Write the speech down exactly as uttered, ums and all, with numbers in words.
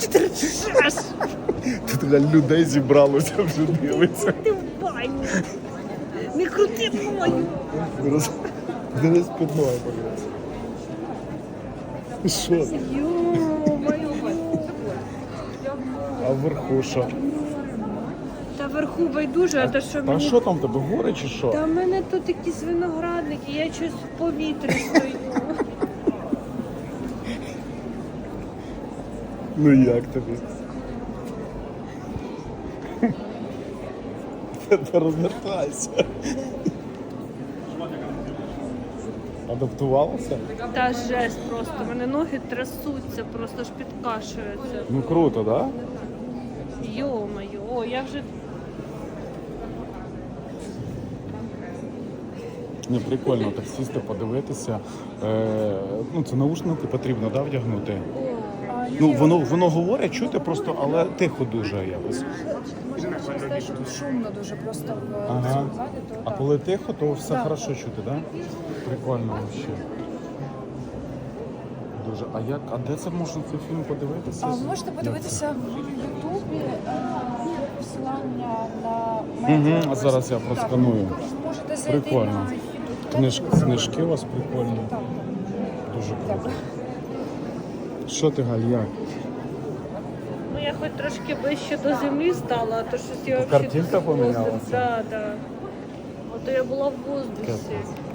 ти рчеш? Тут людей зібралося вже дивиться. Ти в баню. Не крути мою. Роз... Дивись під ноги, подивись. Що? Ё-моё. А вверху що? Та вверху байдуже, а то що А мені... що там в тебе, гори чи що? Та в мене тут якісь виноградники, я щось в повітрі стою. Ну як тобі? Та розвертайся. Адаптувалася? Та жесть просто, в мене ноги трясуться, просто ж підкашуються. Ну круто, так? Да? Йо-моє, о, я вже... Не, прикольно так сісти, подивитися. Е, ну, це наушники потрібно, да, вдягнути? Ну, воно, воно говорить, чути просто, але тихо дуже якось. Через те, що тут шумно дуже просто в Ага. цьому залі, то А так. коли тихо, то все Так. хорошо чути, так? Да? Прикольно взагалі. Дуже. А як, а де це можна цей фільм подивитися? А ви можете подивитися в Ютубі е, посилання на Мгм, медіа. а зараз я просканую. Так, ви можете зайти Прикольно. на YouTube. Книж, книжки у вас прикольні. Так. Дуже круто. Що ти, Галь, як? Ну я хоч трошки ближче до землі стала, а то щось я Картинка помінялася? Так, так. Ото я була в воздусі.